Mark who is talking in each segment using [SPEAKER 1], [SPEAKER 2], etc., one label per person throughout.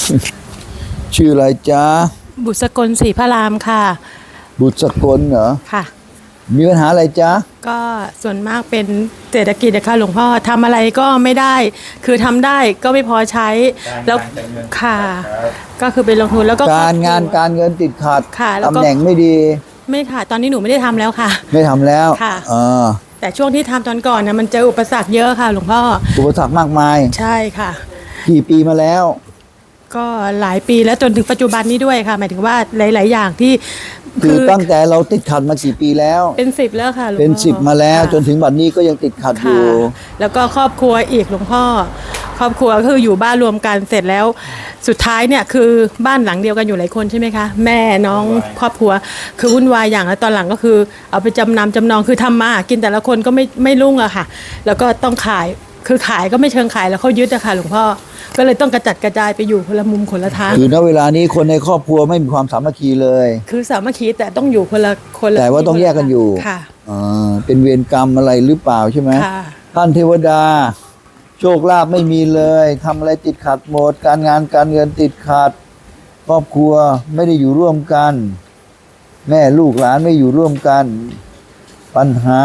[SPEAKER 1] ชื่ออะไรจ๊ะ
[SPEAKER 2] บุษกลศรีพระรามค่ะ
[SPEAKER 1] บุตรสกลเหรอ
[SPEAKER 2] ค่ะ
[SPEAKER 1] มีปัญหาอะไรจ๊ะ
[SPEAKER 2] ก็ส่วนมากเป็นเศรษฐกิจนะคะหลวงพ่อทำอะไรก็ไม่ได้คือทำได้ก็ไม่พอใช้แล้วค่ะก็คือไปลงทุนแล้วก็
[SPEAKER 1] การงานการเงินติดขัด
[SPEAKER 2] ค่ะแล้วก็
[SPEAKER 1] ตำแหน่งไม่ดี
[SPEAKER 2] ไม่ค่ะตอนนี้หนูไม่ได้ทำแล้วค่ะ
[SPEAKER 1] ไม่ทำแล้ว
[SPEAKER 2] ค่ะแต่ช่วงที่ทำตอนก่อนนะมันเจออุปสรรคเยอะค่ะหลวงพ่อ
[SPEAKER 1] อุปสรรคมากมาย
[SPEAKER 2] ใช่ค่ะ
[SPEAKER 1] กี่ปีมาแล้ว
[SPEAKER 2] ก็หลายปีแล้วจนถึงปัจจุบันนี้ด้วยค่ะหมายถึงว่าหลายๆอย่างที่
[SPEAKER 1] คือตั้งแต่เราติดขัดมากี่ปีแล้ว
[SPEAKER 2] เป็น10แล้วค่ะหลวงพ่อ
[SPEAKER 1] เป็น10มาแล้วจนถึงบัดนี้ก็ยังติดขัดอยู่
[SPEAKER 2] แล้วก็ครอบครัวอีกหลวงพ่อครอบครัวคืออยู่บ้านรวมกันเสร็จแล้วสุดท้ายเนี่ยคือบ้านหลังเดียวกันอยู่หลายคนใช่ไหมคะแม่น้องครอบครัวคือวุ่นวายอย่างแล้วตอนหลังก็คือเอาไปจำนองคือทำมากินแต่ละคนก็ไม่รุ่งอะค่ะแล้วก็ต้องขายคือขายก็ไม่เชิงขายแล้วเขายึดอะค่ะหลวงพ่อก็เลยต้องกระจัดกระจายไปอยู่คนละมุมคนละทาง
[SPEAKER 1] คือณเวลานี้คนในครอบครัวไม่มีความสามัคคีเลย
[SPEAKER 2] คือสามัคคีแต่ต้องอยู่คนละ
[SPEAKER 1] แต่ว่าต้องแยกกันอยู่
[SPEAKER 2] ค่ะ
[SPEAKER 1] เป็นเวรกรรมอะไรหรือเปล่าใช่ไหมท่านเทวดาโชคลาภไม่มีเลยทำอะไรติดขัดหมดการงานการเงินติดขัดครอบครัวไม่ได้อยู่ร่วมกันแม่ลูกหลานไม่อยู่ร่วมกันปัญหา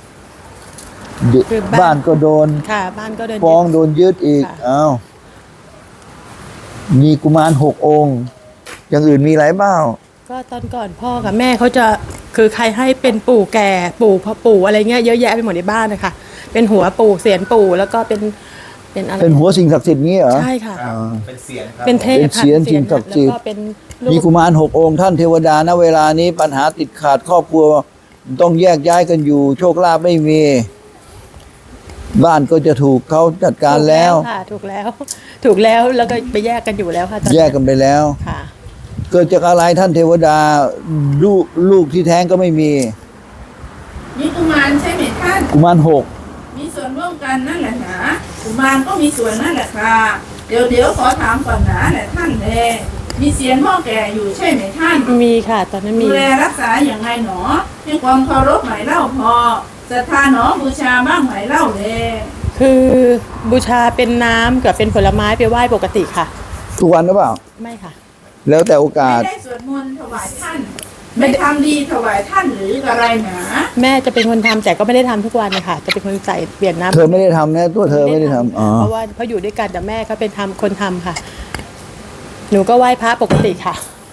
[SPEAKER 1] บ้านก็โดน
[SPEAKER 2] ค่ะบ้านก็โดน
[SPEAKER 1] ฟ้องโดนยึดอีกอ้าวมีกุมาร6 องค์อย่างอื่นมีอะไรบ้าง
[SPEAKER 2] ก็ตอนก่อนพ่อกับแม่เขาจะคือใครให้เป็นปู่แก่ปู่พ่อปู่อะไรเงี้ยเยอะแยะไปหมดในบ้านนะคะเป็นหัวปู่เสียนปู่แล้วก็เป็นอะไร
[SPEAKER 1] เป็นหัวสิ่งศักดิ์สิทธิ์งี้เหรอ
[SPEAKER 2] ใช่ค่ะ
[SPEAKER 3] เป็นเสียงครับ
[SPEAKER 2] เป็นเทพ
[SPEAKER 1] เป็นเสียนสิ่งศักดิ์สิทธิ์มีกุมาร6 องค์ท่านเทวดาณเวลานี้ปัญหาติดขาดครอบครัวต้องแยกย้ายกันอยู่โชคลาภไม่มีบ้านก็จะถูกเขาจัดการแล้ว
[SPEAKER 2] ค่ะถูกแล้วแล้วก็ไปแยกกันอยู่แล้วค่ะ
[SPEAKER 1] แยกกันไปแล้ว
[SPEAKER 2] ค่ะ
[SPEAKER 1] เกิดจากอะไรท่านเทวดาลูกที่แท้งก็ไม่มี
[SPEAKER 4] กุมารใช่ไหมท่าน
[SPEAKER 1] กุมาร6
[SPEAKER 4] มีส่วนร่วมกันนั่นแหละนะกุมารก็มีส่วนนั่นแหละค่ะเดี๋ยวขอถามก่อนนะแหละท่านเลยมีเสียนพ่อแก่อยู่ใช่ไหมท่าน
[SPEAKER 2] มีค่ะตอนนั้นมี
[SPEAKER 4] ดูแลรักษาอย่างไรหนอให้ความเคารพไหมเล่าพอศรัทธาหนอบูชาบ้างไหมเล่าเลย
[SPEAKER 2] คือบูชาเป็นน้ำกับเป็นผลไม้ไปไหว้ปกติค่ะ
[SPEAKER 1] ทุกวันหรือเปล่า
[SPEAKER 2] ไม่ค่ะ
[SPEAKER 1] แล้วแต่โอกาส
[SPEAKER 4] ไม่ได้สวดมนต์ถวายท่านไม่ทำดีถวายท่านหรืออะไรหนา
[SPEAKER 2] แม่จะเป็นคนทำแต่ก็ไม่ได้ทำทุกวันเลยค่ะจะเป็นคนใส่เปลี่ยนน้ำ
[SPEAKER 1] เธอไม่ได้ทำนะตัวเธอไม่ได้ทำ
[SPEAKER 2] เพราะว่าเขาอยู่ด้วยกันแต่แม่เขาเป็นคนทำค่ะหนูก็ไหว้พระปกติค่ะ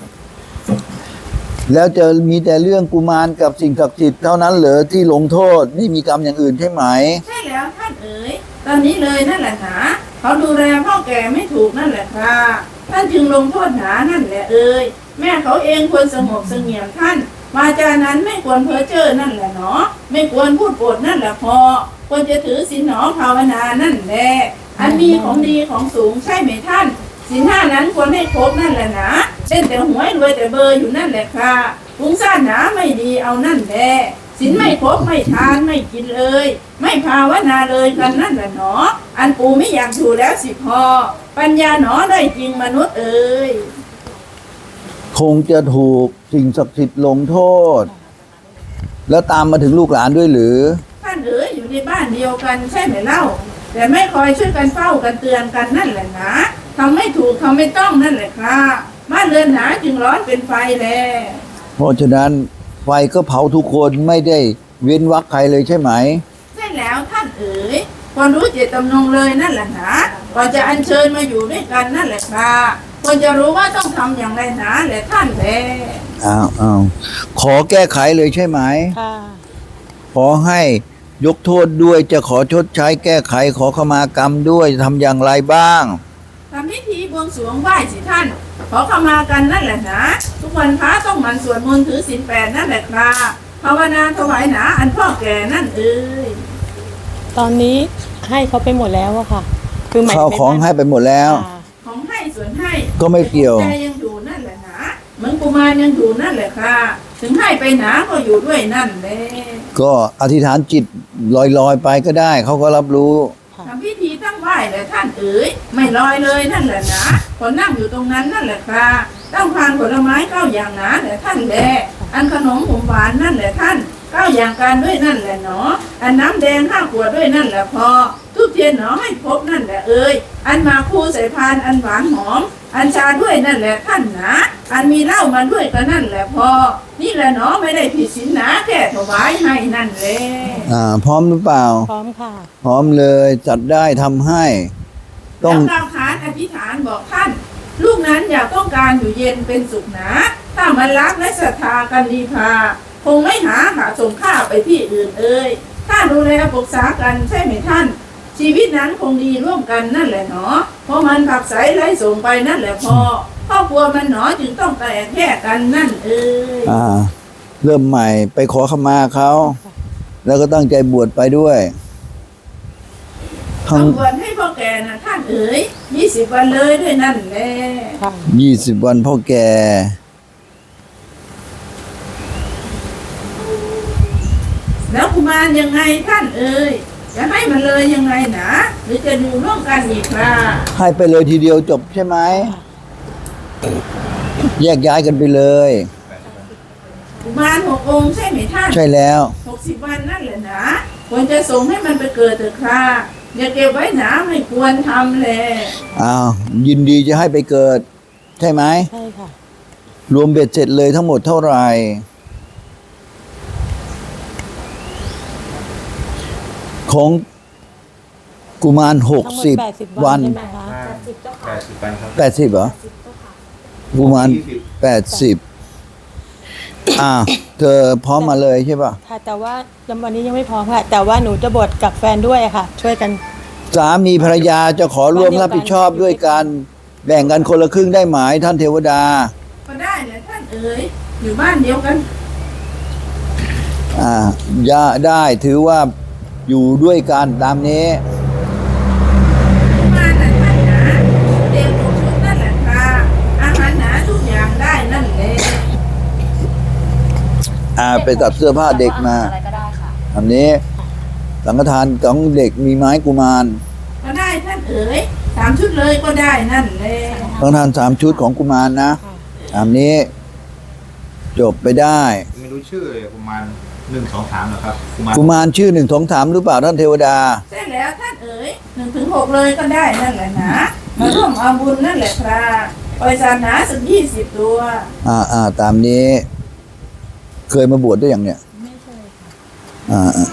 [SPEAKER 1] แล้วจะมีแต่เรื่องกุมารกับสิ่งศักดิ์สิทธิ์เท่านั้นเหรอที่ลงโทษไม่มีกรรมอย่างอื่นใช่ไหม
[SPEAKER 4] ใช่แล้วท่านเอ๋ยตอนนี้เลยนั่นแหละนะเขาดูแลพ่อแก่ไม่ถูกนั่นแหละค่ะท่านจึงลงโทษหนานั่นแหละเอ๋ยแม่เขาเองควรสงบเสงี่ยมท่านวาจานั้นไม่ควรเพ้อเจ้อนั่นแหละเนาะไม่ควรพูดโปดนั่นแหละพอควรจะถือศีลหนอภาวนานั่นแหละอันมีของดีของสูงใช่ไหมท่านศีล5นั้นควรให้ครบนั่นแหละนะเล่นแต่หวยรวยแต่เบอร์อยู่นั่นแหละค่ะฟุ้งซ่านหนาไม่ดีเอานั่นแหละศีลไม่ครบไม่ทานไม่กินเลยไม่ภาวนาเลยกันนั่นแหละเนาะอันปูไม่อยากถูแล้วสิพอปัญญาหนอได้จริงมนุษย์เอ๋ย
[SPEAKER 1] คงจะถูกสิ่งศักดิ์สิทธิ์ลงโทษแล้วตามมาถึงลูกหลานด้วยหรือ
[SPEAKER 4] ท่านเอ๋ยอยู่ในบ้านเดียวกันใช่ไหมเล่าแต่ไม่คอยช่วยกันเฝ้ากันเตือนกันนั่นแหละนะทำไม่ถูกทำไม่ต้องนั่นแหละค่ะบ้านเรือนหนาจึงร้อนเป็นไฟแล
[SPEAKER 1] เพราะฉะนั้นไฟก็เผาทุกคนไม่ได้เว้นวรรคใครเลยใช่ไหม
[SPEAKER 4] ใช่แล้วท่านเอ๋ยควรรู้เจตจำนงเลยนั่นแหละนะก่อนจะอัญเชิญมาอยู่ด้วยกันนั่นแหละค่ะควรจะรู้ว่าต้องทำอย่างไรนะแหละท่านแล
[SPEAKER 1] ขอแก้ไขเลยใช่ไหม
[SPEAKER 2] ค่ะ
[SPEAKER 1] ขอให้ยกโทษด้วยจะขอชดใช้แก้ไขขอขมากรรมด้วยทำอย่างไรบ้าง
[SPEAKER 4] ทำพิธีบวงสรวงไหว้สิท่านขอขมากันนั่นแหละนะทุกวันพระต้องหมั่นสวดมนต์ถือศีล8นั่นแหละค่ะภาวนาถวายหนาอันพ่อแก่นั่นเอ้ย
[SPEAKER 2] ตอนนี้ให้เขาไปหมดแล้วอะค่ะ
[SPEAKER 1] คือหมายเขาของให้ไปหมดแล้ว
[SPEAKER 4] ของให้ส่วนให้
[SPEAKER 1] ก็ไม่เกี่ยว
[SPEAKER 4] ใจยังอยู่นั่นแหละนะเหมือนกุมารยังอยู่นั่นแหละค่ะถึงให้ไปหนาก็อยู่ด้วยนั่นแหละ
[SPEAKER 1] ก็อธิษฐานจิตลอยไปก็ได้เขาก็รับรู้
[SPEAKER 4] ทำพิธีตั้งไหว้แหละท่านเอ๋ยไม่ลอยเลยนั่นแหละนะคนนั่งอยู่ตรงนั้นนั่นแหละค่ะต้องทานผลไม้9 อย่างนะแหละท่านแลอันขนมหวานนั่นแหละท่าน9 อย่างการด้วยนั่นแหละเนาะอันน้ำแดง5 ขวดด้วยนั่นแหละพอทุบเทียนหนอให้พบนั่นแหละเอ่ยอันมาคู่ใส่พานอันหวานหอม อันชาด้วยนั่นแหละท่านหนาอันมีเหล้ามาด้วยก็นั่นแหละพอนี่แหละหนอไม่ได้ผิดศีลหนาแค่ถวายให้นั่นแหละ
[SPEAKER 1] พร้อมหรือเปล่า
[SPEAKER 2] พร้อมค่ะ
[SPEAKER 1] พร้อมเลยจัดได้ทำให้ ต้
[SPEAKER 4] แล้
[SPEAKER 1] อง
[SPEAKER 4] วกล่าวขานอธิษฐานบอกท่าน ลูกนั้นอยากต้องการอยู่เย็นเป็นสุขหนาถ้ามันรักและศรัทธากันดีพาคงไม่หาส่งข้าไปที่อื่นเอ่ยถ้าดูแลปรึกษากันใช่ไหมท่าน ชีวิตนั้นคงดีร่วมกันนั่นแหละหนอเพราะมันผักใสไล่ส่งไปนั่นแหละพอครอบครัวมันหนอจึงต้องแตกแยกกันนั่นเอ่ย
[SPEAKER 1] เริ่มใหม่ไปขอขมาเขาแล้วก็ตั้งใจบวชไปด้วยทั้ง
[SPEAKER 4] ทำบวชให้พ่อแก่นะท่านเอ๋ย20 วันเลยด้วยนั่นแหละ
[SPEAKER 2] ค่ะ
[SPEAKER 1] 20 วันพ่อแก่
[SPEAKER 4] แล้วกุมารยังไงท่านเอ๋ยจะให้มันเลยยังไงนะหรือจะอยู่ร่วมกันอีกล่ะ
[SPEAKER 1] ให้ไปเลยทีเดียวจบใช่ไหมแยกย้ายกันไปเลย
[SPEAKER 4] กุมาร6 องค์ใช่ไหมท่าน
[SPEAKER 1] ใช่แล้ว
[SPEAKER 4] 60 วันนั่นแหละนะควรจะส่งให้มันไปเกิดเถอะค่ะอย่าเก็บไว้หนาไม่ควรทำแล
[SPEAKER 1] ยินดีจะให้ไปเกิด ใช่ไหม
[SPEAKER 2] ใช่ค่ะ
[SPEAKER 1] รวมเบ็ดเสร็จเลยทั้งหมดเท่าไหร่ ของกุมาร
[SPEAKER 2] ทั้งหมด
[SPEAKER 1] 60 วัน
[SPEAKER 2] ใช่ไหมคะ
[SPEAKER 3] 80 วันครับ
[SPEAKER 1] 80เหรอกุมาร 80เธอพร้อมมาเลยใช่ป่ะ
[SPEAKER 2] ค่ะ แต่ว่าวันนี้ยังไม่พร้อมค่ะ แต่ว่าหนูจะบวชกับแฟนด้วยค่ะ ช่วยกัน
[SPEAKER 1] สามีภรรยาจะขอร่วมรับผิดชอบด้วยกันแบ่งกันคนละครึ่งได้ไหมท่านเทวดา
[SPEAKER 4] ก็ได้แหละท่านเอ๋ยอยู่บ้านเดียวกัน
[SPEAKER 1] ย่าได้ถือว่าอยู่ด้วยกันตามนี้
[SPEAKER 4] กุมารน่ะท่านหนาเด็กทุกชุดนั่นแหละค่ะอาหารหนาทุกอย่างได้นั่นแหละ
[SPEAKER 1] ไปตัดเสื้อผ้าเด็กมา
[SPEAKER 5] อะไรก็ได้ค่ะ
[SPEAKER 1] อันนี้สังฆทานของเด็กมีไม้กุมาร
[SPEAKER 4] ก็ได้ท่านเอ๋ย3 ชุดเลยก็ได้นั่นแหละ
[SPEAKER 1] สังฆทาน3 ชุดของกุมารนะตามนี้ จบไปได้
[SPEAKER 3] ไม่รู้ชื่อเลยประมาณ1 2 3เหรอครับกุมาร
[SPEAKER 1] กุมารชื่อ1 2 3หรือเปล่าท่านเทวดา
[SPEAKER 4] ใช่แล้วท่านเอ๋ย1 ถึง 6เลยก็ได้นั่นแหละนะมาร่วมเอาบุญนั่นแหละครับปล่อยสัตว์หนาสัก20 ตัว
[SPEAKER 1] ตามนี้ เคยมาบวชได้อย่างเนี้ย
[SPEAKER 2] ไม่ใช่ค่ะ